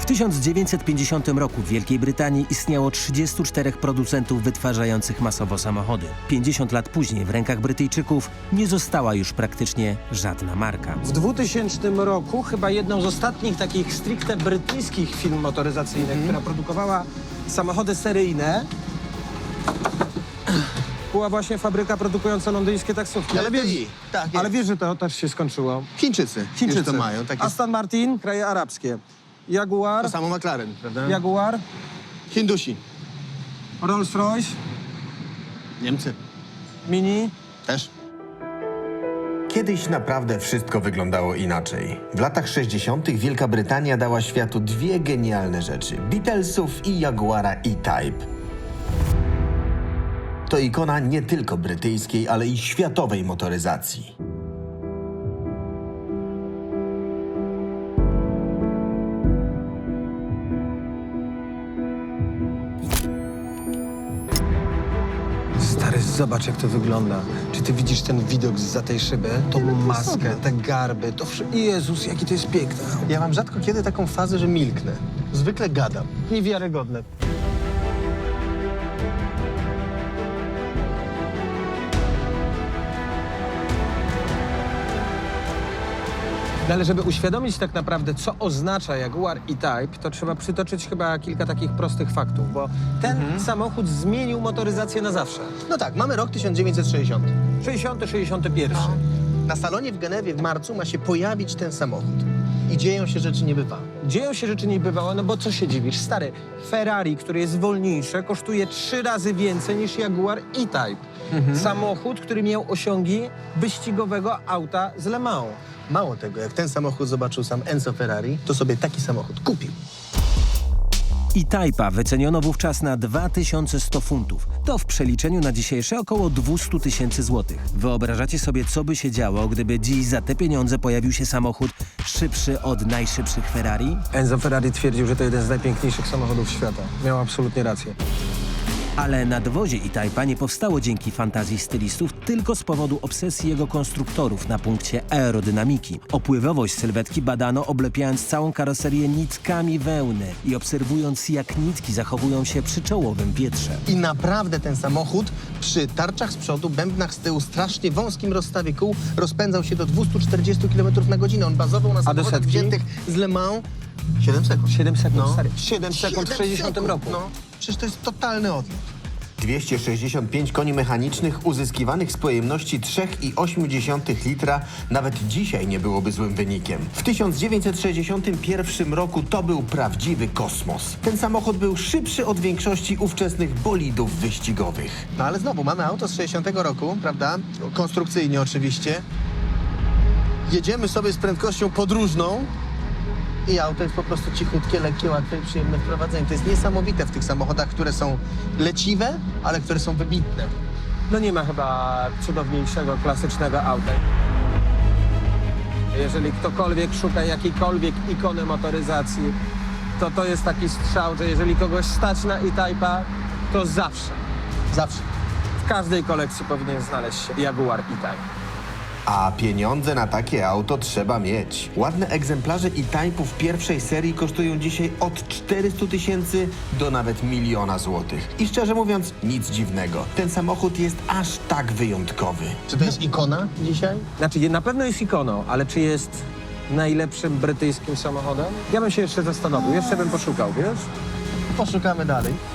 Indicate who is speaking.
Speaker 1: W 1950 roku w Wielkiej Brytanii istniało 34 producentów wytwarzających masowo samochody. 50 lat później w rękach Brytyjczyków nie została już praktycznie żadna marka.
Speaker 2: W 2000 roku chyba jedną z ostatnich takich stricte brytyjskich firm motoryzacyjnych, która produkowała samochody seryjne, była właśnie fabryka produkująca londyńskie taksówki.
Speaker 3: Tak,
Speaker 2: Ale wiesz, że to też się skończyło.
Speaker 3: Chińczycy to mają. Takie...
Speaker 2: Aston Martin, kraje arabskie. Jaguar,
Speaker 3: To samo McLaren, prawda?
Speaker 2: Jaguar,
Speaker 3: Hindusi.
Speaker 2: Rolls-Royce,
Speaker 3: Niemcy.
Speaker 2: Mini.
Speaker 3: Też.
Speaker 4: Kiedyś naprawdę wszystko wyglądało inaczej. W latach 60. Wielka Brytania dała światu dwie genialne rzeczy. Beatlesów i Jaguara E-Type. To ikona nie tylko brytyjskiej, ale i światowej motoryzacji.
Speaker 2: Stary, zobacz jak to wygląda. Czy ty widzisz ten widok zza tej szyby? Tą maskę, te garby, to wszystko. Jezus, jaki to jest piękne.
Speaker 3: Ja mam rzadko kiedy taką fazę, że milknę. Zwykle gadam.
Speaker 2: Niewiarygodne. No ale żeby uświadomić tak naprawdę, co oznacza Jaguar E-Type, to trzeba przytoczyć chyba kilka takich prostych faktów, bo ten samochód zmienił motoryzację na zawsze.
Speaker 3: No tak, mamy rok 1960.
Speaker 2: 60, 61.
Speaker 3: Na salonie w Genewie w marcu ma się pojawić ten samochód. I dzieją się rzeczy niebywałe.
Speaker 2: Dzieją się rzeczy niebywałe, no bo co się dziwisz? Stary, Ferrari, który jest wolniejsze, kosztuje 3 razy więcej niż Jaguar E-Type. Samochód, który miał osiągi wyścigowego auta z Le Mans.
Speaker 3: Mało tego, jak ten samochód zobaczył sam Enzo Ferrari, to sobie taki samochód kupił.
Speaker 1: E-Type'a wyceniono wówczas na 2100 funtów. To w przeliczeniu na dzisiejsze około 200 tysięcy złotych. Wyobrażacie sobie, co by się działo, gdyby dziś za te pieniądze pojawił się samochód szybszy od najszybszych Ferrari?
Speaker 2: Enzo Ferrari twierdził, że to jeden z najpiękniejszych samochodów świata. Miał absolutnie rację.
Speaker 1: Ale nadwozie E-Type'a nie powstało dzięki fantazji stylistów, tylko z powodu obsesji jego konstruktorów na punkcie aerodynamiki. Opływowość sylwetki badano, oblepiając całą karoserię nitkami wełny i obserwując, jak nitki zachowują się przy czołowym wietrze.
Speaker 3: I naprawdę ten samochód przy tarczach z przodu, bębnach z tyłu, strasznie wąskim rozstawie kół rozpędzał się do 240 km na godzinę. On bazował na samochodach
Speaker 2: setki?
Speaker 3: wziętych z Le Mans 7 sekund.
Speaker 2: 7 sekund,
Speaker 3: No.
Speaker 2: stary. 7 sekund w 60 roku.
Speaker 3: No, przecież to jest totalny odlot.
Speaker 4: 265 koni mechanicznych uzyskiwanych z pojemności 3,8 litra nawet dzisiaj nie byłoby złym wynikiem. W 1961 roku to był prawdziwy kosmos. Ten samochód był szybszy od większości ówczesnych bolidów wyścigowych.
Speaker 3: No ale znowu, mamy auto z 60 roku, prawda? Konstrukcyjnie oczywiście. Jedziemy sobie z prędkością podróżną i auto jest po prostu cichutkie, lekkie, łatwe i przyjemne w prowadzeniu. To jest niesamowite w tych samochodach, które są leciwe, ale które są wybitne.
Speaker 2: No nie ma chyba cudowniejszego, klasycznego auta. Jeżeli ktokolwiek szuka jakiejkolwiek ikony motoryzacji, to jest taki strzał, że jeżeli kogoś stać na E-Type'a, to zawsze,
Speaker 3: Zawsze.
Speaker 2: w każdej kolekcji powinien znaleźć się Jaguar E-Type.
Speaker 4: A pieniądze na takie auto trzeba mieć. Ładne egzemplarze E-Type'ów pierwszej serii kosztują dzisiaj od 400 tysięcy do nawet 1 000 000 złotych. I szczerze mówiąc, nic dziwnego. Ten samochód jest aż tak wyjątkowy.
Speaker 3: Czy to jest ikona dzisiaj?
Speaker 2: Znaczy, na pewno jest ikoną, ale czy jest najlepszym brytyjskim samochodem? Ja bym się jeszcze zastanowił, jeszcze bym poszukał, wiesz?
Speaker 3: Poszukamy dalej.